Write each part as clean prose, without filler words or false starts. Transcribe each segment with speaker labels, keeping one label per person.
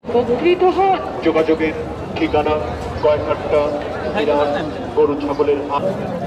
Speaker 1: যোগাযোগের ঠিকানা কয়ঘাট্টা বিরাট গরু ছাগলের হাট।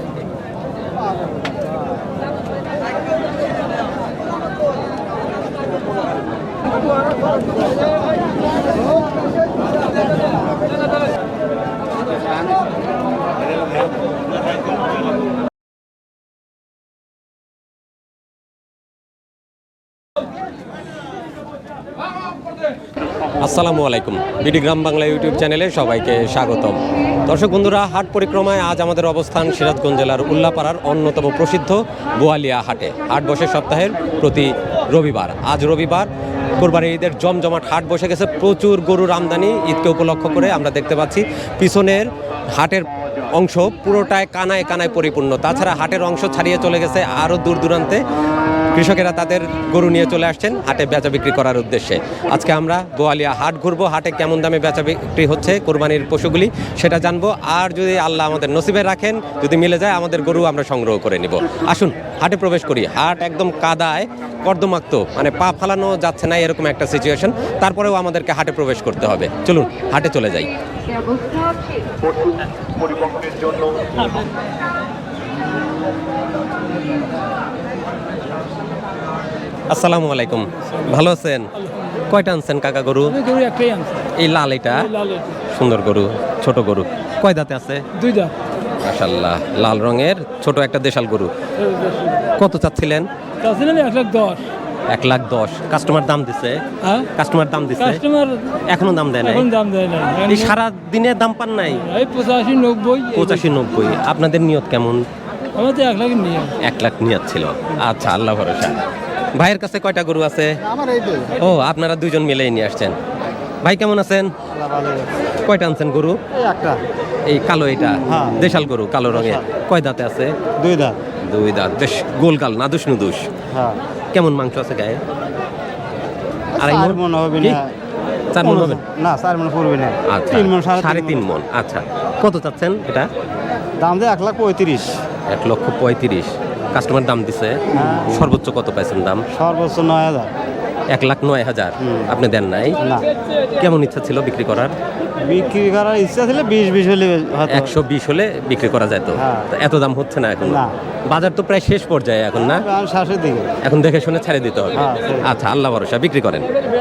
Speaker 2: আসসালামু আলাইকুম, বিডি গ্রাম বাংলা ইউটিউব চ্যানেলে সবাইকে স্বাগতম। দর্শক বন্ধুরা, হাট পরিক্রমায় আজ আমাদের অবস্থান সিরাজগঞ্জ জেলার উল্লাপাড়ার অন্যতম প্রসিদ্ধ বোয়ালিয়া হাটে। হাট বসে সপ্তাহের প্রতি রবিবার। আজ রবিবার কোরবানির ঈদের জমজমাট হাট বসে গেছে। প্রচুর গরুর আমদানি। ঈদকে উপলক্ষ করে আমরা দেখতে পাচ্ছি পিছনের হাটের অংশ পুরোটায় কানায় কানায় পরিপূর্ণ। তাছাড়া হাটের অংশ ছাড়িয়ে চলে গেছে আরও দূর দূরান্তে। কৃষকেরা তাদের গরু নিয়ে চলে আসছেন হাটে বেচা বিক্রি করার উদ্দেশ্যে। আজকে আমরা বোয়ালিয়া হাট ঘুরবো। হাটে কেমন দামে বেচা বিক্রি হচ্ছে কোরবানির পশুগুলি সেটা জানবো। আর যদি আল্লাহ আমাদের নসিবে রাখেন, যদি মিলে যায়, আমাদের গরু আমরা সংগ্রহ করে নিব। আসুন হাটে প্রবেশ করি। হাট একদম কাদায় কর্দমাক্ত, মানে পা ফালানো যাচ্ছে না এরকম একটা সিচুয়েশন। তারপরেও আমাদেরকে হাটে প্রবেশ করতে হবে। চলুন হাটে চলে যাই।
Speaker 1: পরিবহনের জন্য
Speaker 2: আসসালামু আলাইকুম, ভালো আছেন? কয়টা আনছেন কাকা গরু?
Speaker 3: একটাই আনছে,
Speaker 2: এই লাল, এটা সুন্দর গরু, ছোট গরু। কয় দাঁতে আছে?
Speaker 3: 2 দাঁত।
Speaker 2: মাশাআল্লাহ, লাল রঙের ছোট একটা দেশাল গরু। কত চাচ্ছিলেন?
Speaker 3: চাচ্ছিলেন 1,10,000।
Speaker 2: 1,10,000 কাস্টমার দাম দিছে?
Speaker 3: হ্যাঁ,
Speaker 2: কাস্টমার দাম দিছে?
Speaker 3: কাস্টমার
Speaker 2: এখনো দাম দেয় নাই?
Speaker 3: এখন দাম দেয় না।
Speaker 2: এই সারা দিনে দাম পান নাই?
Speaker 3: এই 85-90।
Speaker 2: 85-90। আপনাদের নিয়ত কেমন?
Speaker 3: আমাদের 1 লাখ নিয়ে
Speaker 2: 1 লাখ নিয়ত ছিল। আচ্ছা, আল্লাহ ভরসা। ভাইয়ের কাছে কয়টা গরু আছে? ও, আপনারা দুইজন মিলেই নিয়ে আসছেন। ভাই কেমন আছেন? কয়টা আনছেন গরু?
Speaker 4: একটা।
Speaker 2: এই কালো, এটা
Speaker 4: হ্যাঁ।
Speaker 2: দেশাল গরু, কালো রঙের। কয় দাঁতে আছে?
Speaker 4: 2 দাঁত।
Speaker 2: 2 দাঁত। বেশ গোলগাল, নাদুস নুদুস।
Speaker 4: হ্যাঁ।
Speaker 2: কেমন মাংস আছে গায়ে?
Speaker 4: 4 মণ হবে
Speaker 2: কি?
Speaker 4: না।
Speaker 2: 4 মণ হবে
Speaker 4: না, 4 মণ পড়বে না।
Speaker 2: আচ্ছা,
Speaker 4: 3 মণ,
Speaker 2: 3.5 মণ। আচ্ছা, কত চাচ্ছেন এটা?
Speaker 4: দাম দিয়ে 1,35,000।
Speaker 2: 1,35,000 কাস্টমার দাম দিছে।
Speaker 4: হ্যাঁ।
Speaker 2: সর্বোচ্চ কত পাইছেন দাম?
Speaker 4: সর্বোচ্চ 9,000।
Speaker 2: 1,09,000। আপনি দেন নাই?
Speaker 4: না।
Speaker 2: কেমন ইচ্ছা ছিল বিক্রি করার?
Speaker 4: বিক্রি করার ইচ্ছা ছিল 20 হলে হয়তো।
Speaker 2: 120 হলে বিক্রি করা যেত।
Speaker 4: হ্যাঁ।
Speaker 2: তো এত দাম হচ্ছে না এখন?
Speaker 4: না।
Speaker 2: বাজার তো প্রায় শেষ পর্যায়ে এখন, না?
Speaker 4: আমি শেষের দিকে।
Speaker 2: এখন দেখে শুনে ছেড়ে দিতে হবে।
Speaker 4: হ্যাঁ, সেই।
Speaker 2: আচ্ছা, আল্লাহ ভরসা, বিক্রি করেন।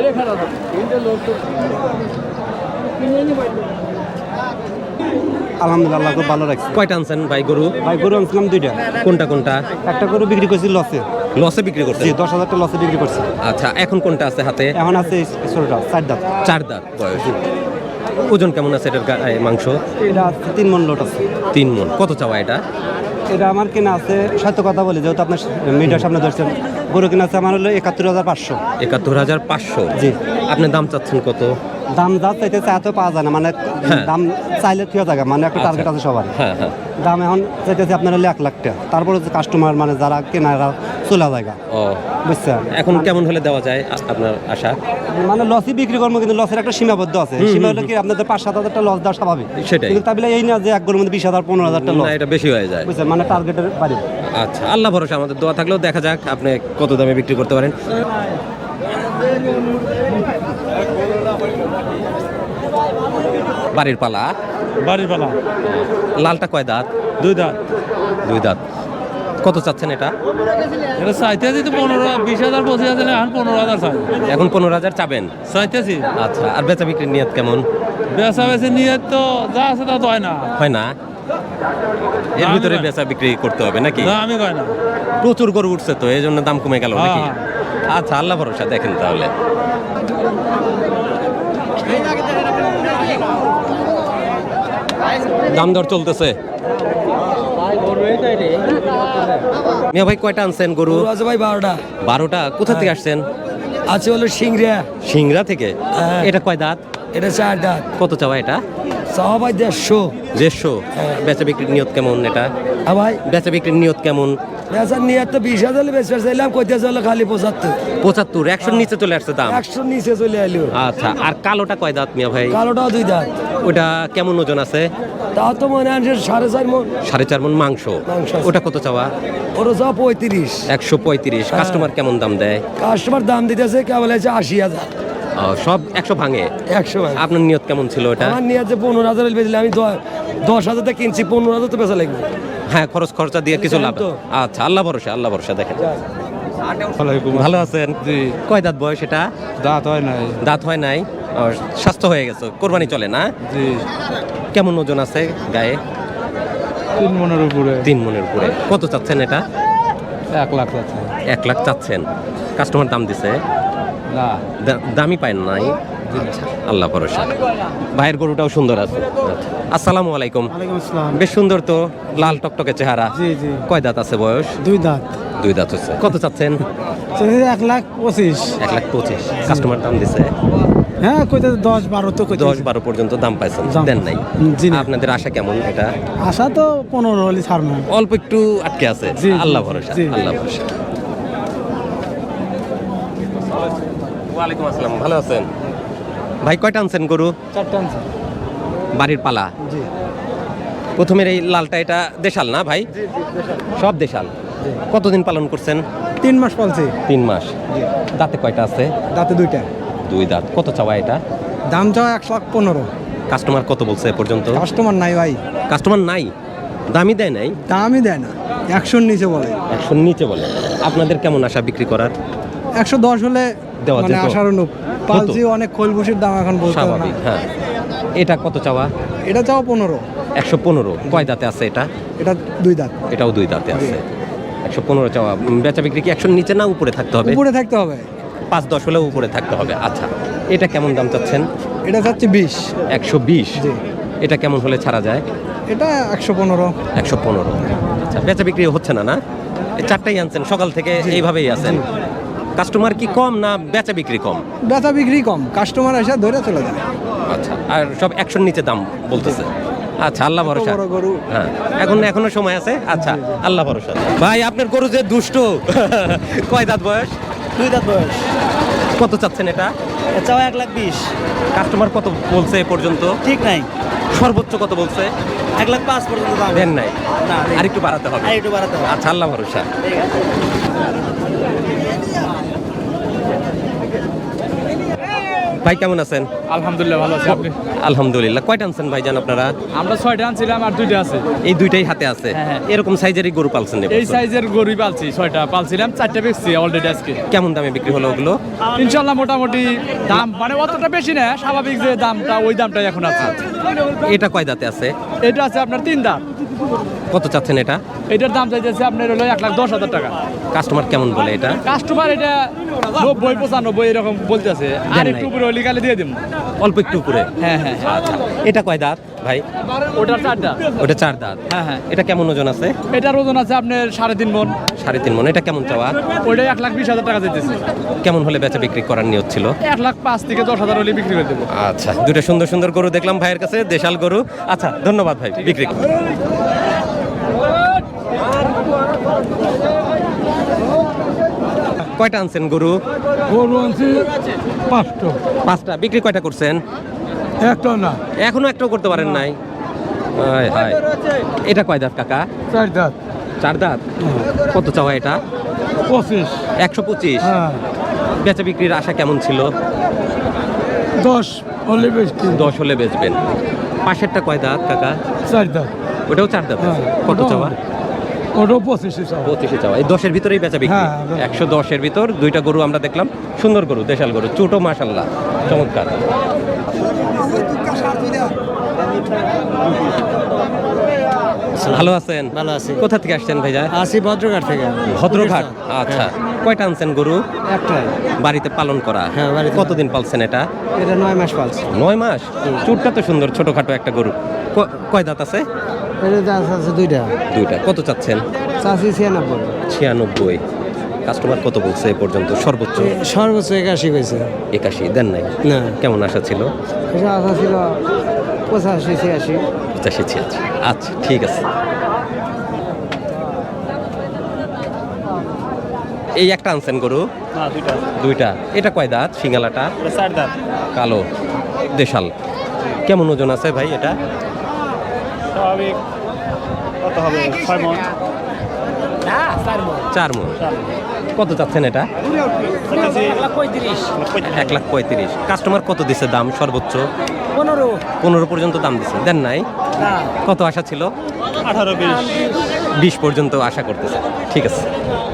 Speaker 4: আলহামদুলিল্লাহ, খুব ভালো লাগছে।
Speaker 2: কয়টা আনছেন ভাই গরু?
Speaker 4: ভাই গরু আনছিলাম 2টা।
Speaker 2: কোনটা কোনটা?
Speaker 4: একটা গরু বিক্রি করছি লসে।
Speaker 2: লসে বিক্রি করছেন?
Speaker 4: জি, 10,000 টাকা লসে বিক্রি করছি।
Speaker 2: আচ্ছা, এখন কোনটা আছে হাতে?
Speaker 4: এখন আছে এই ছোটটা, 4 দাঁত।
Speaker 2: 4 দাঁত বয়স। ওজন কেমন আছে এটার মাংস?
Speaker 4: এটা আছে 3 মণ লোট আছে।
Speaker 2: 3 মণ। কত চাওয়া এটা?
Speaker 4: এটা আমার কেনা আছে, সত্য কথা বলি, যেহেতু আপনার মিডিয়ার সামনে ধরছেন, গরু কেনা আছে আমার হলো 71,500।
Speaker 2: 71,500।
Speaker 4: জি।
Speaker 2: আপনি দাম চাচ্ছেন কত?
Speaker 4: দাম যা চাইতেছে এত পাওয়া যায় না, মানে
Speaker 2: হ্যাঁ।
Speaker 4: দাম চাইলে ঠিক জায়গা, মানে একটা টার্গেট আছে সবার।
Speaker 2: হ্যাঁ হ্যাঁ।
Speaker 4: দাম এখন চাইতেছে আপনার হলো 1 লাখ টাকা। তারপরে কাস্টমার মানে যারা কেনারা চলে জায়গা,
Speaker 2: ও,
Speaker 4: বুঝছেন?
Speaker 2: এখন কেমন হলে দেওয়া যায় আপনার আশা?
Speaker 4: মানে লসই বিক্রি করবো, কিন্তু লসের একটা সীমাবদ্ধ আছে। সীমা হলো কি আপনাদের 5-7 হাজার লস দেওয়া স্বাভাবিক।
Speaker 2: সেটাই।
Speaker 4: কিন্তু তাই বলে এই না যে এক গরুর মধ্যে 20,000-15,000 লস,
Speaker 2: না, এটা বেশি হয়ে যায়।
Speaker 4: বুঝছেন? মানে টার্গেটের বাইরে।
Speaker 2: আচ্ছা, আল্লাহ ভরসা, আমাদের দোয়া থাকলেও দেখা যাক আপনি কত দামে বিক্রি করতে পারেন। বাড়ির পালা?
Speaker 3: বাড়ির পালা।
Speaker 2: লালটা কয় দাঁত?
Speaker 3: 2 দাঁত।
Speaker 2: 2 দাঁত। কত চাচ্ছেন এটা?
Speaker 3: এটা চাইতেছি তো 15,000, 20,000, 25,000, এখন 15,000 চাই।
Speaker 2: এখন 15,000 চাবেন?
Speaker 3: চাইতেছি।
Speaker 2: আচ্ছা, আর বেচা বিক্রির নিয়ত কেমন?
Speaker 3: বেচা বেচি নিয়ে তো যা আছে তা তো হয় না।
Speaker 2: হয় না? এর
Speaker 3: না, আমি
Speaker 2: ভিতরে
Speaker 3: কই-
Speaker 2: বেচা বিক্রি করতে হবে নাকি?
Speaker 3: না, আমি কই না।
Speaker 2: প্রচুর গরু উঠছে তো, এই জন্য দাম কমে গেল নাকি?
Speaker 3: হ্যাঁ।
Speaker 2: আচ্ছা, আল্লাহ ভরসা, দেখেন তাহলে। দাম দর চলতেছে। মিয়া ভাই, কয়টা আনছেন গরু?
Speaker 5: আছে ভাই 12টা।
Speaker 2: 12টা। কোথা থেকে আসছেন?
Speaker 5: আছে হলো সিংড়া।
Speaker 2: সিংড়া থেকে?
Speaker 5: হ্যাঁ।
Speaker 2: এটা কয় দাঁত?
Speaker 5: এটা 4 দাঁত।
Speaker 2: কত চাওয়া এটা?
Speaker 5: চাওয়া ভাই 150।
Speaker 2: 150। বেচা বিক্রির নিয়ত কেমন এটা?
Speaker 5: হ্যাঁ ভাই,
Speaker 2: বেচা বিক্রির নিয়ত কেমন?
Speaker 5: বেচার নিয়ে তো 20,000 বেচতে চাইলাম, কইতে চলে খালি 75।
Speaker 2: 75। 100 নিচে চলে আসছে দাম।
Speaker 5: 100 নিচে চলে আইলো।
Speaker 2: আচ্ছা, আর কালোটা কয় দাঁত মিয়া ভাই?
Speaker 5: কালোটাও 2 দাঁত।
Speaker 2: ওটা কেমন ওজন আছে?
Speaker 5: তাও তো মনে হয় 4.5 মণ।
Speaker 2: 4.5 মণ মাংস।
Speaker 5: মাংস আছে।
Speaker 2: ওটা কত চাওয়া?
Speaker 5: ওর চাওয়া 35।
Speaker 2: 135। কাস্টমার কেমন দাম দেয়?
Speaker 5: কাস্টমার দাম দিতেছে কেবল আছে 80,000।
Speaker 2: সব 100 ভাঙে।
Speaker 5: 100 ভাঙে।
Speaker 2: আপনার নিয়ত কেমন ছিল এটা?
Speaker 5: আমার নিয়ে যে 15,000 বেচলে আমি 10,000 টাকা কিনছি, 15,000 তো বেচা লাগবে।
Speaker 2: হ্যাঁ, খরচ খরচা দিয়ে কিছু লাভ।
Speaker 5: তো।
Speaker 2: আচ্ছা, আল্লাহ ভরসা দেখেন। ভালো আছেন?
Speaker 3: জি।
Speaker 2: কয় দাঁত বয়স এটা?
Speaker 3: দাঁত হয় নাই।
Speaker 2: দাঁত হয় নাই, স্বাস্থ্য হয়ে গেছে, কোরবানি চলে না?
Speaker 3: জি।
Speaker 2: কেমন ওজন আছে গায়ে?
Speaker 3: 3 মনের উপরে।
Speaker 2: 3 মনের উপরে। কত চাচ্ছেন এটা?
Speaker 3: 1 লাখ আছে।
Speaker 2: 1 লাখ চাচ্ছেন। কাস্টমার দাম দিছে?
Speaker 3: না।
Speaker 2: দামই পায় নাই। আচ্ছা, আল্লাহ ভরসা। ভাইয়ের গরুটাও সুন্দর আছে। আচ্ছা। আসসালামু আলাইকুম।
Speaker 4: ওয়ালাইকুম আসসালাম।
Speaker 2: বেশ সুন্দর তো, লাল টকটকে চেহারা।
Speaker 4: জি জি।
Speaker 2: কয় দাঁত আছে বয়স?
Speaker 4: 2 দাঁত।
Speaker 2: 2 দাঁত হচ্ছে। কত চাচ্ছেন?
Speaker 4: 1,25,000।
Speaker 2: 1,25,000। কাস্টমার দাম দিছে?
Speaker 4: হ্যাঁ, কইতে 10-12 তো কইতে।
Speaker 2: 10-12 পর্যন্ত দাম পাইছেন, দেন নাই?
Speaker 4: জি না।
Speaker 2: আপনাদের আশা কেমন এটা?
Speaker 4: আশা তো 15 হলে ছাড়বো।
Speaker 2: অল্প একটু আটকে আছে।
Speaker 4: জি, জি,
Speaker 2: আল্লাহ ভরসা,
Speaker 4: জি।
Speaker 2: আল্লাহ ভরসা। ওয়ালাইকুম আসসালাম, ভালো আছেন? ভাই কয়টা আনছেন গরু?
Speaker 4: 4টা আনছি।
Speaker 2: বাড়ির পালা?
Speaker 4: জি।
Speaker 2: প্রথমের এই লালটা এটা দেশাল না ভাই? সব দেশাল। কতদিন পালন করছেন?
Speaker 4: 3 মাস পালছি।
Speaker 2: 3 মাস। দাঁতে কয়টা আছে?
Speaker 4: দাঁতে 2টা।
Speaker 2: 2 দাঁত। কত চাওয়া এটা?
Speaker 4: দাম চাও 1,15,000।
Speaker 2: কাস্টমার কত বলছে এ পর্যন্ত?
Speaker 4: কাস্টমার নাই ভাই।
Speaker 2: কাস্টমার নাই, দামই দেয় নাই।
Speaker 4: দামই দেয় না, 100 নিচে বলে।
Speaker 2: 100 নিচে বলে। আপনাদের কেমন আশা বিক্রি করার?
Speaker 4: 110 হলে
Speaker 2: দেওয়া
Speaker 4: মানে
Speaker 2: যেত।
Speaker 4: আশার অনুপ। পালছি অনেক খোলবুসির দাম এখন বলতে হবে না।
Speaker 2: স্বাভাবিক, হ্যাঁ। এটা কত চাওয়া?
Speaker 4: এটা চাও 15।
Speaker 2: 115। কয় দাঁতে আছে এটা?
Speaker 4: এটা 2 দাঁত।
Speaker 2: এটাও 2 দাঁতে আছে। 115 চাওয়া। বেচা বিক্রি কি 100 নিচে না উপরে থাকতে হবে?
Speaker 4: উপরে থাকতে হবে।
Speaker 2: 5-10 হলেও উপরে থাকতে হবে। আচ্ছা, এটা কেমন দাম চাচ্ছেন?
Speaker 4: এটা চাচ্ছি 20।
Speaker 2: 120।
Speaker 4: জি।
Speaker 2: এটা কেমন হলে ছাড়া যায়?
Speaker 4: এটা 115।
Speaker 2: 115। আচ্ছা, বেচা বিক্রি হচ্ছে না না? এই 4টাই আনছেন সকাল থেকে, এইভাবেই আছেন? কাস্টমার কি কম না বেচা বিক্রি কম?
Speaker 4: বেচা বিক্রি কম, কাস্টমার এসে ধরে চলে যায়।
Speaker 2: আচ্ছা, আর সব 100 নিচে দাম বলতেছে। আচ্ছা, আল্লাহ ভরসা।
Speaker 4: বড় গরু।
Speaker 2: হ্যাঁ, এখনো সময় আছে। আচ্ছা, আল্লাহ ভরসা। ভাই আপনার গরু যে দুষ্ট, কয় দাঁত বয়স?
Speaker 4: 2 দাঁত বয়স।
Speaker 2: কত চাচ্ছেন এটা?
Speaker 4: চাও 1,20,000।
Speaker 2: কাস্টমার কত বলছে এ পর্যন্ত?
Speaker 4: ঠিক নাই,
Speaker 2: সর্বোচ্চ কত বলছে?
Speaker 4: 1,05,000 পর্যন্ত দাম।
Speaker 2: দেন নাই?
Speaker 4: না, দেই।
Speaker 2: আর একটু বাড়াতে হবে।
Speaker 4: আর একটু বাড়াতে হবে।
Speaker 2: আচ্ছা, আল্লাহ ভরসা। ভাই কেমন আছেন?
Speaker 3: আলহামদুলিল্লাহ ভালো আছি। আপনি?
Speaker 2: আলহামদুলিল্লাহ। কয়টা আনছেন ভাইজান আপনারা?
Speaker 3: আমরা 6টা আনছিলাম আর 2টা আছে।
Speaker 2: এই 2টাই হাতে আছে?
Speaker 3: হ্যাঁ, হ্যাঁ।
Speaker 2: এরকম সাইজেরই গরু পালছেন
Speaker 3: এই
Speaker 2: এবছর?
Speaker 3: সাইজের গরুই পালছি, 6টা পালছিলাম, 4টা বেচছি অলরেডি আজকে।
Speaker 2: কেমন দামে বিক্রি হলো ওগুলো?
Speaker 3: ইনশাআল্লাহ মোটামুটি দাম মানে অতটা বেশি না, স্বাভাবিক যে দামটা ওই দামটাই এখন আছে।
Speaker 2: এটা কয় দাঁতে আছে?
Speaker 3: এটা আছে আপনার 3 দাম।
Speaker 2: কত চাচ্ছেন এটা?
Speaker 3: এটার দাম চাইতেছে আপনার হলো 1,10,000 টাকা।
Speaker 2: কাস্টমার কেমন বলে এটা?
Speaker 3: কাস্টমার এটা 90-95 এরকম বলতেছে, আর একটু উপরে হলে গালে দিয়ে দিব।
Speaker 2: অল্প একটু উপরে?
Speaker 3: হ্যাঁ হ্যাঁ।
Speaker 2: আচ্ছা, এটা কয় দাঁত ভাই?
Speaker 3: ওটার 4টা।
Speaker 2: ওটা 4 দাঁত।
Speaker 3: হ্যাঁ হ্যাঁ।
Speaker 2: এটা কেমন ওজন আছে?
Speaker 3: এটার ওজন আছে আপনার 3.5 মণ।
Speaker 2: 3.5 মণ। এটা কেমন চাওয়া?
Speaker 3: ওইটা 1,20,000 টাকা চাইতেছে।
Speaker 2: কেমন হলে বেচা বিক্রি করার নিয়ত ছিল?
Speaker 3: 1,05,000 থেকে 10,000 হলে বিক্রি করে দেবো।
Speaker 2: আচ্ছা, দুটো সুন্দর সুন্দর গরু দেখলাম ভাইয়ের কাছে, দেশাল গরু। আচ্ছা, ধন্যবাদ ভাই, বিক্রি করুন। কয়টা আনছেন গরু?
Speaker 5: গরু আনছি 5টা।
Speaker 2: 5টা। বিক্রি কয়টা করছেন?
Speaker 5: একটা না,
Speaker 2: এখনো একটাও করতে পারেন নাই? হায় হায়। এটা কয় দাঁত কাকা?
Speaker 5: 4 দাঁত।
Speaker 2: 4 দাঁত। কত চাওয়া এটা?
Speaker 5: 25।
Speaker 2: 125।
Speaker 5: হ্যাঁ,
Speaker 2: বেচা বিক্রির আশা কেমন ছিল?
Speaker 5: 10 হলে বেচছি।
Speaker 2: 10 হলে বেচবেন। পাশেরটা কয় দাঁত কাকা?
Speaker 5: 4 দাঁত।
Speaker 2: ওটাও 4 দাঁত আছে।
Speaker 5: হ্যাঁ,
Speaker 2: কত
Speaker 5: ওটাও
Speaker 2: চাওয়া?
Speaker 5: ওটাও 25 চাও।
Speaker 2: 25 চাওয়া। এই 10-এর ভিতরেই বেচা বিক্রি?
Speaker 5: হ্যাঁ, হ্যাঁ।
Speaker 2: 110-এর ভিতর 2টা গরু আমরা দেখলাম, সুন্দর গরু, দেশাল গরু, ছোটো মাশাআল্লাহ, চমৎকার। ভালো আছেন?
Speaker 4: ভালো আছি।
Speaker 2: কোথা থেকে আসছেন ভাইজা?
Speaker 4: আসি ভদ্রঘাট থেকে।
Speaker 2: ভদ্রঘাট। আচ্ছা, কয়টা আনছেন গরু?
Speaker 4: একটাই।
Speaker 2: বাড়িতে পালন করা?
Speaker 4: হ্যাঁ, বাড়িতে।
Speaker 2: কতদিন পালছেন এটা?
Speaker 4: এটা 9 মাস পালছি।
Speaker 2: 9 মাস। চুটটা তো সুন্দর, ছোটখাটো একটা গরু। কয় দাঁত আছে?
Speaker 4: এটা দাঁত আছে 2টা।
Speaker 2: 2টা। কত চাচ্ছেন?
Speaker 4: চাষি 96।
Speaker 2: 96। কাস্টমার কত বলছে এ পর্যন্ত সর্বোচ্চ?
Speaker 4: সর্বোচ্চ 81 হয়েছে।
Speaker 2: 81 দেন নাই?
Speaker 4: না,
Speaker 2: কেমন আশা ছিল?
Speaker 4: এটা আশা ছিল 85-86।
Speaker 2: 85-86। আচ্ছা, ঠিক আছে। এই একটা আনছেন গরু?
Speaker 3: না, 2টা।
Speaker 2: 2টা। এটা কয় দাঁত? সিঙ্গালাটা?
Speaker 3: 4 দাঁত।
Speaker 2: কালো, দেশাল। কেমন ওজন আছে ভাই এটা?
Speaker 3: স্বাভাবিক কত হবে? 6 মণ। না, 4 মণ।
Speaker 2: 4 মণ। কত চাচ্ছেন এটা? 1,35,000। কাস্টমার কত দিছে দাম সর্বোচ্চ? 15 পর্যন্ত দাম দিছে, দেন নাই? কত আশা ছিল? 18-20 পর্যন্ত আশা করতেছে। ঠিক আছে।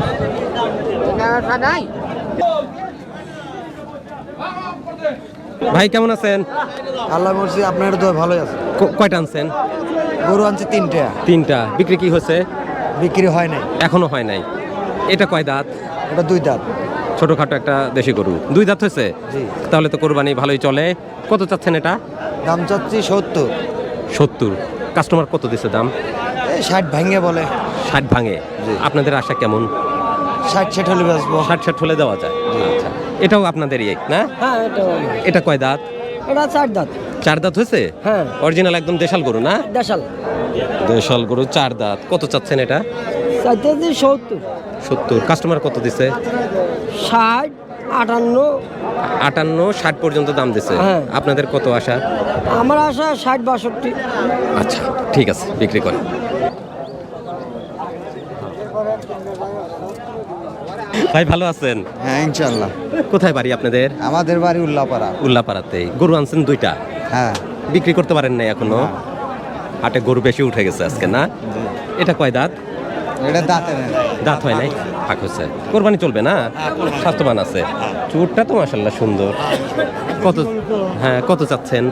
Speaker 2: ভাই কেমন আছেন?
Speaker 6: আল্লাহ মর্জি, আপনার তো ভালোই আছে।
Speaker 2: কয়টা আনছেন?
Speaker 6: গরু আনছে তিনটা।
Speaker 2: তিনটা। বিক্রি কি হয়েছে?
Speaker 6: বিক্রি হয় নাই।
Speaker 2: এখনো হয় নাই। এটা কয় দাঁত?
Speaker 6: এটা 2 দাঁত।
Speaker 2: ছোটখাটো একটা দেশি গরু, 2 দাঁত হয়েছে।
Speaker 6: জি।
Speaker 2: তাহলে তো কোরবানি ভালোই চলে। কত চাচ্ছেন এটা?
Speaker 6: দাম চাচ্ছি 70।
Speaker 2: 70। কাস্টমার কত দিছে দাম?
Speaker 6: এই 60 ভাঙে বলে।
Speaker 2: 60 ভাঙে। আপনাদের আশা কেমন?
Speaker 6: 60 হলে বেচবো।
Speaker 2: 60 হলে দেওয়া যায়। আচ্ছা, এটাও আপনাদেরই না?
Speaker 6: হ্যাঁ,
Speaker 2: এটা কয় দাঁত?
Speaker 6: এটা 4 দাঁত।
Speaker 2: 4 দাঁত হয়েছে?
Speaker 6: হ্যাঁ।
Speaker 2: অরিজিনাল একদম দেশাল গরু না?
Speaker 6: দেশাল।
Speaker 2: দেশাল গরু 4 দাঁত। কত চাচ্ছেন এটা?
Speaker 6: চাইতেছি 70।
Speaker 2: 70। কাস্টমার কত দিছে?
Speaker 6: 60, 58।
Speaker 2: 58, 60 পর্যন্ত দাম দিছে।
Speaker 6: হ্যাঁ।
Speaker 2: আপনাদের কত আশা?
Speaker 6: আমার আশা 60, 62।
Speaker 2: আচ্ছা, ঠিক আছে, বিক্রি করেন। ভাই ভালো আছেন?
Speaker 6: হ্যাঁ, ইনশাআল্লাহ।
Speaker 2: কোথায় বাড়ি আপনাদের?
Speaker 6: আমাদের বাড়ি উল্লাপাড়া।
Speaker 2: উল্লাপাড়াতেই। গরু আনছেন 2টা?
Speaker 6: হ্যাঁ।
Speaker 2: বিক্রি করতে পারেন নাই এখনো? হাটে গরু বেশি উঠে গেছে আজকে না? এটা কয় দাঁত?
Speaker 6: এটা দাঁতে নেই।
Speaker 2: দাঁত হয় নাই, ফাঁক হচ্ছে। কোরবানি চলবে না? স্বাস্থ্যবান আছে। চুরটা তো মাশাআল্লাহ সুন্দর। কত? হ্যাঁ, কত চাচ্ছেন?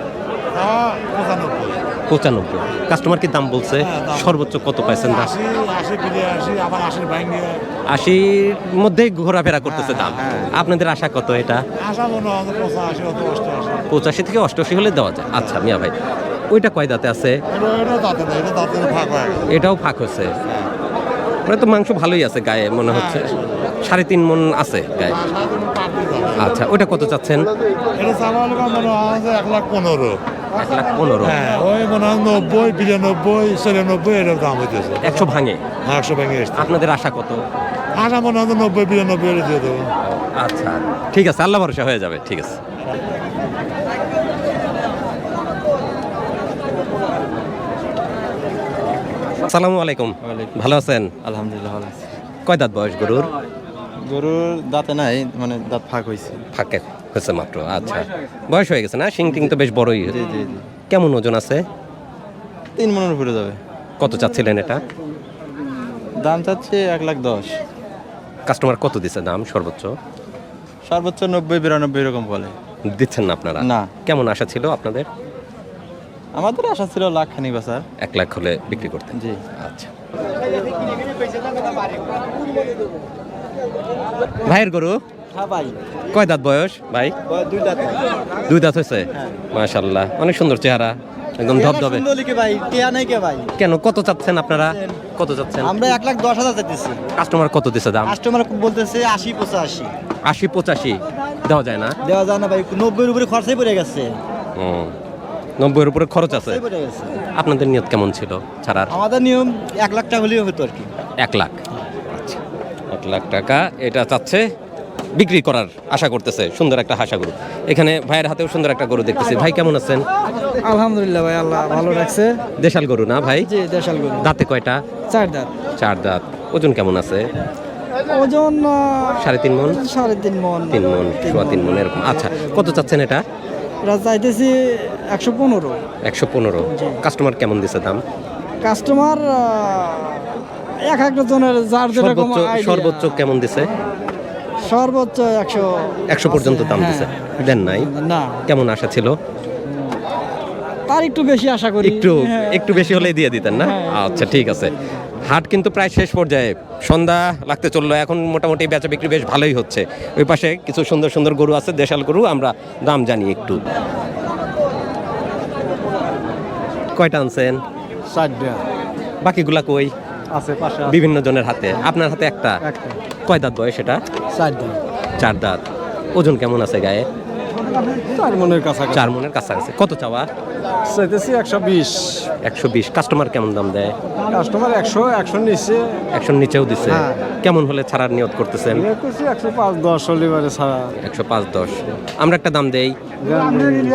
Speaker 2: 95। কাস্টমার কি দাম বলছে? সর্বোচ্চ কত পাইছেন দাম? 80-র মধ্যেই ঘোরাফেরা করতেছে দাম। আপনাদের আশা কত এটা? 85 থেকে 88 হলে দেওয়া যায়। আচ্ছা মিয়া ভাই, ওইটা কয় দাঁতে আছে? এটাও ফাঁক হচ্ছে। মানে তো মাংস ভালোই আছে গায়ে মনে হচ্ছে। 3.5 মণ আছে গায়ে। আচ্ছা, ওইটা কত চাচ্ছেন?
Speaker 7: 1,15,000।
Speaker 2: 1,15,000।
Speaker 7: হ্যাঁ, ওই মনে হয় 90, 92, 94 এর দাম হইতেছে।
Speaker 2: 100 ভাঙে।
Speaker 7: 100 ভেঙে এসছে।
Speaker 2: আপনাদের আশা কত?
Speaker 7: আশা মনে হয় 90, 92 এর দিয়ে দেবো।
Speaker 2: আচ্ছা, ঠিক আছে, আল্লাহ ভরসা হয়ে যাবে। ঠিক আছে। আসসালামু আলাইকুম। ভালো আছেন?
Speaker 8: আলহামদুলিল্লাহ ভালো আছি।
Speaker 2: কয় দাঁত বয়স গরুর?
Speaker 8: গরুর দাঁতে নাই, মানে দাঁত ফাঁক হয়েছে।
Speaker 2: ফাঁকে হয়েছে মাত্র। আচ্ছা, বয়স হয়ে গেছে না? শিং টিং তো বেশ বড়ই।
Speaker 8: জি জি জি।
Speaker 2: কেমন ওজন আছে?
Speaker 8: 3 মণের উপরে যাবে।
Speaker 2: কত চাচ্ছিলেন এটা?
Speaker 8: দাম চাচ্ছে 1,10,000।
Speaker 2: কাস্টমার কত দিছে দাম সর্বোচ্চ?
Speaker 8: সর্বোচ্চ 90-92 এরকম বলে।
Speaker 2: দিচ্ছেন না আপনারা?
Speaker 8: না।
Speaker 2: কেমন আশা ছিল আপনাদের?
Speaker 8: আমাদের আশা ছিল 1,00,000 বেচার।
Speaker 2: 1 লাখ হলে বিক্রি করতেন?
Speaker 8: জি।
Speaker 2: আচ্ছা। ভাইয়ের গরু?
Speaker 6: হ্যাঁ ভাই।
Speaker 2: কয় দাঁত বয়স ভাই?
Speaker 6: 2 দাঁত।
Speaker 2: 2 দাঁত হয়েছে? মাশাআল্লাহ, অনেক সুন্দর চেহারা, একদম ধবধবে।
Speaker 6: কে ভাই, টিয়া নাই কে ভাই?
Speaker 2: কেন, কত চাচ্ছেন আপনারা? কত চাচ্ছেন?
Speaker 6: আমরা 1,10,000 চাইতেছি।
Speaker 2: কাস্টমার কত দিছে দাম?
Speaker 6: কাস্টমার বলতেছে 80-85।
Speaker 2: 80-85 দেওয়া যায় না?
Speaker 6: দেওয়া যায় না ভাই, 90 এর উপরে খরচাই পড়ে গেছে।
Speaker 2: 90 এর উপরে খরচ আছে।
Speaker 6: খরচাই পড়ে গেছে।
Speaker 2: আপনাদের নিয়ত কেমন ছিল ছাড়ার?
Speaker 6: আমাদের নিয়ম 1 লাখ টাকা হলেও হতো আর কি।
Speaker 2: 1 লাখ। আচ্ছা, 1 লাখ টাকা এটা চাচ্ছে, বিক্রি করার আশা করতেছে। সুন্দর একটা হাসা গরু। এখানে ভাইয়ের হাতেও সুন্দর একটা গরু দেখতেছি। ভাই কেমন আছেন?
Speaker 6: আলহামদুলিল্লাহ ভাই, আল্লাহ ভালো রাখছে।
Speaker 2: দেশাল গরু না ভাই?
Speaker 6: জি, দেশাল গরু।
Speaker 2: দাঁতে কয়টা?
Speaker 6: 4 দাঁত।
Speaker 2: 4 দাঁত। ওজন কেমন আছে?
Speaker 6: ওজন
Speaker 2: 3.5 মণ?
Speaker 6: 3.5 মণ।
Speaker 2: 3 মণ, 3.5 মণ এরকম। আচ্ছা, কত চাচ্ছেন এটা?
Speaker 6: এটা চাইতেছি 115।
Speaker 2: 115। কাস্টমার কেমন দিছে দাম?
Speaker 6: কাস্টমার এক একটা জনের যার যেরকম
Speaker 2: সর্বোচ্চ কেমন দিছে?
Speaker 6: সর্বোচ্চ
Speaker 2: 100 পর্যন্ত দাম দিছে। দেন নাই?
Speaker 6: না।
Speaker 2: কেমন আশা ছিল?
Speaker 6: তার একটু বেশি আশা করি।
Speaker 2: একটু বেশি হলেই দিয়ে দিতেন না? আচ্ছা, ঠিক আছে। হাট কিন্তু প্রায় শেষ পর্যায়ে, সন্ধ্যা লাগতে চললো। এখন মোটামুটি বেচা বিক্রি বেশ ভালোই হচ্ছে। ওই পাশে কিছু সুন্দর সুন্দর গরু আছে, দেশাল গরু, আমরা দাম জানি একটু। কয়টা আনছেন?
Speaker 6: 4টা।
Speaker 2: বাকিগুলা কই?
Speaker 6: আছে পাশে।
Speaker 2: বিভিন্ন জনের হাতে। আপনার হাতে একটা? কয় দাঁত বয়স এটা?
Speaker 6: 4 দাঁত।
Speaker 2: 4 দাঁত। ওজন কেমন আছে গায়ে?
Speaker 6: 4 মণের কাছাকাছি।
Speaker 2: 4 মণের কাছাকাছি। কত চাওয়া?
Speaker 6: চাইতেছি 120।
Speaker 2: 120। কাস্টমার কেমন দাম দেয়?
Speaker 6: কাস্টমার 100 নিচে।
Speaker 2: 100 নিচেও দিছে।
Speaker 6: হ্যাঁ।
Speaker 2: কেমন হলে ছাড়ার নিয়ত করতেছেন?
Speaker 6: 105-10 হলিবারে ছাড়া।
Speaker 2: 105-10। আমরা একটা দাম দেই।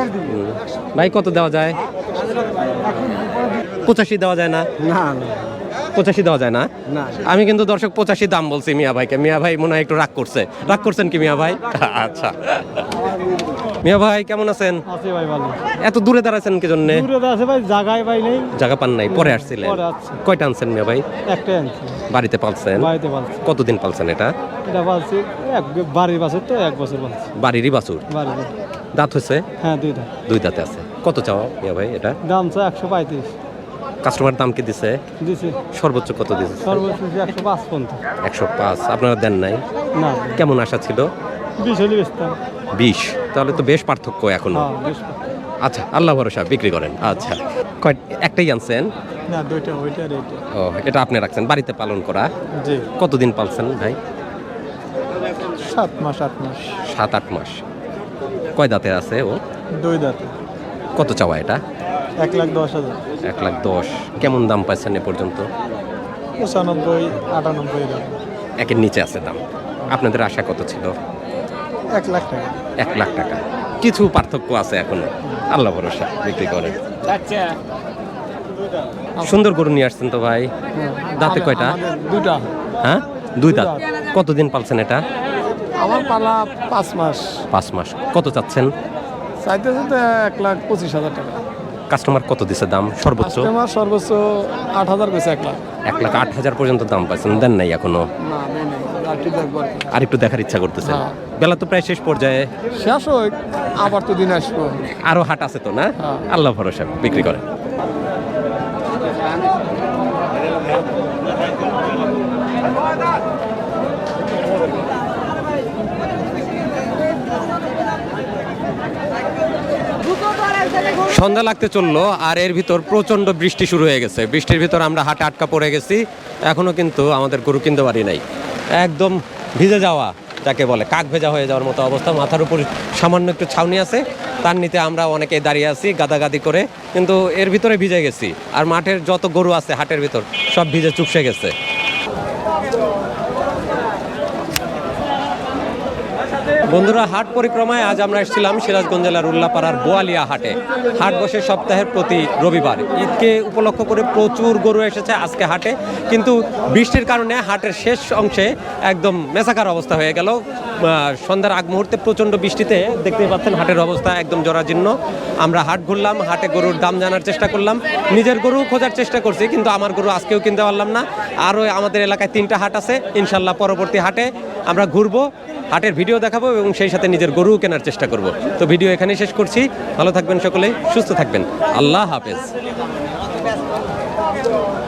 Speaker 2: ভাই কত দেওয়া যায়? 85 দেওয়া যায় না?
Speaker 6: না না।
Speaker 2: 85 দেওয়া যায় না?
Speaker 6: না।
Speaker 2: আমি কিন্তু দর্শক 85 দাম বলছি মিয়া ভাইকে। মিয়া ভাই মনে হয় একটু রাগ করছে। রাগ করছেন কি মিয়া ভাই? আচ্ছা। মিয়া ভাই কেমন আছেন?
Speaker 6: আছে ভাই ভালো।
Speaker 2: এত দূরে দাঁড়াইছেন কি জন্য?
Speaker 6: দূরে আছে ভাই, জায়গায় ভাই নেই।
Speaker 2: জায়গা পান নাই, পরে আসছিলেন?
Speaker 6: পরে আসছি।
Speaker 2: কয়টা আনছেন মিয়া ভাই?
Speaker 6: একটাই আনছি,
Speaker 2: বাড়িতে পালছেন?
Speaker 6: বাড়িতে পালছি।
Speaker 2: কতদিন পালছেন এটা?
Speaker 6: এটা পালছি বাড়ির বাছুর তো, 1 বছর পালছি
Speaker 2: বাড়িরই বাছুর?
Speaker 6: বাড়ির।
Speaker 2: দাঁত হয়েছে?
Speaker 6: হ্যাঁ 2টা।
Speaker 2: 2 দাঁতে আছে। কত চাওয়া মিয়া ভাই এটা?
Speaker 6: দাম চা 135
Speaker 2: কাস্টমার দাম কি দিছে?
Speaker 6: দিছি।
Speaker 2: সর্বোচ্চ কত দিছে?
Speaker 6: সর্বোচ্চ 105 পর্যন্ত।
Speaker 2: 105। আপনারা দেন নাই?
Speaker 6: না,
Speaker 2: কেমন আশা ছিল?
Speaker 6: 20 হলে বেচতাম।
Speaker 2: 20? তাহলে তো বেশ পার্থক্য এখনো।
Speaker 6: হ্যাঁ বেশ।
Speaker 2: আচ্ছা, আল্লাহ ভরসা, বিক্রি করেন। আচ্ছা, একটাই আনছেন?
Speaker 6: না 2টা, ওইটা আর এইটা।
Speaker 2: ও, এটা আপনি রাখছেন বাড়িতে পালন করা?
Speaker 6: জি।
Speaker 2: কতদিন পালছেন ভাই?
Speaker 6: 7 মাস 8 মাস।
Speaker 2: 7-8 মাস। কয় দাঁতে আছে ও?
Speaker 6: 2 দাঁতে।
Speaker 2: কত চাওয়া এটা?
Speaker 6: 1,10,000।
Speaker 2: 1,10,000। কেমন দাম পাইছেন এ পর্যন্ত?
Speaker 6: 95 98 এরকম।
Speaker 2: একের নিচে আছে দাম। আপনাদের আশা কত ছিল?
Speaker 6: 1 লাখ টাকা।
Speaker 2: 1 লাখ টাকা। কিছু পার্থক্য আছে এখনো। আল্লাহ ভরসা, বিক্রি করেন। সুন্দর গরু নিয়ে আসছেন তো ভাই। দাঁতে কয়টা?
Speaker 6: 2টা।
Speaker 2: হ্যাঁ, 2 দাঁত। কতদিন পালছেন এটা?
Speaker 6: আমার পালা 5 মাস।
Speaker 2: 5 মাস। কত চাচ্ছেন?
Speaker 6: চাইতেছে তো 1,25,000 টাকা।
Speaker 2: কাস্টমার কত দিছে দাম সর্বোচ্চ?
Speaker 6: আমার সর্বোচ্চ 8,000 কইছে 1 লাখ।
Speaker 2: 1,08,000 পর্যন্ত দাম পাইছেন, দেন নাই এখনো?
Speaker 6: না নেই নেই, আর কি দেখবো আর কি।
Speaker 2: আর একটু দেখার ইচ্ছা করতেছে?
Speaker 6: হ্যাঁ।
Speaker 2: বেলা তো প্রায় শেষ পর্যায়ে।
Speaker 6: শেষ হোক, আবার তো দিন আসবো।
Speaker 2: আরো হাট আছে তো না?
Speaker 6: হ্যাঁ।
Speaker 2: আল্লাহ ভরসা, বিক্রি করেন। সন্ধ্যা লাগতে চললো আর এর ভিতর প্রচন্ড বৃষ্টি শুরু হয়ে গেছে। বৃষ্টির ভিতর আমরা হাটে আটকা পড়ে গেছি। এখনো কিন্তু আমাদের গরু কিনতে পারি নাই। একদম ভিজে যাওয়া, যাকে বলে কাক ভেজা হয়ে যাওয়ার মতো অবস্থা। মাথার উপর সামান্য একটু ছাউনি আছে, তার নিচে আমরা অনেকেই দাঁড়িয়ে আছি গাদাগাদি করে, কিন্তু এর ভিতরে ভিজে গেছি। আর মাঠের যত গরু আছে হাটের ভিতর সব ভিজে চুপসে গেছে। বন্ধুরা, হাট পরিক্রমায় আজ আমরা এসেছিলাম সিরাজগঞ্জ জেলার উল্লাপাড়ার বোয়ালিয়া হাটে। হাট বসে সপ্তাহের প্রতি রবিবার। ঈদকে উপলক্ষ করে প্রচুর গরু এসেছে আজকে হাটে, কিন্তু বৃষ্টির কারণে হাটের শেষ অংশে একদম মেসাকার অবস্থা হয়ে গেল। সন্ধ্যার আগ মুহূর্তে প্রচণ্ড বৃষ্টিতে দেখতেই পাচ্ছেন হাটের অবস্থা একদম জরাজীর্ণ। আমরা হাট ঘুরলাম, হাটে গরুর দাম জানার চেষ্টা করলাম, নিজের গরু খোঁজার চেষ্টা করছি, কিন্তু আমার গরু আজকেও কিনতে পারলাম না। আরও আমাদের এলাকায় 3টা হাট আছে, ইনশাল্লাহ পরবর্তী হাটে আমরা ঘুরবো, হাটের ভিডিও দেখাবো এবং সেই সাথে নিজের গরু কেনার চেষ্টা করব। তো ভিডিও এখানেই শেষ করছি। ভালো থাকবেন সকলে, সুস্থ থাকবেন। আল্লাহ হাফেজ।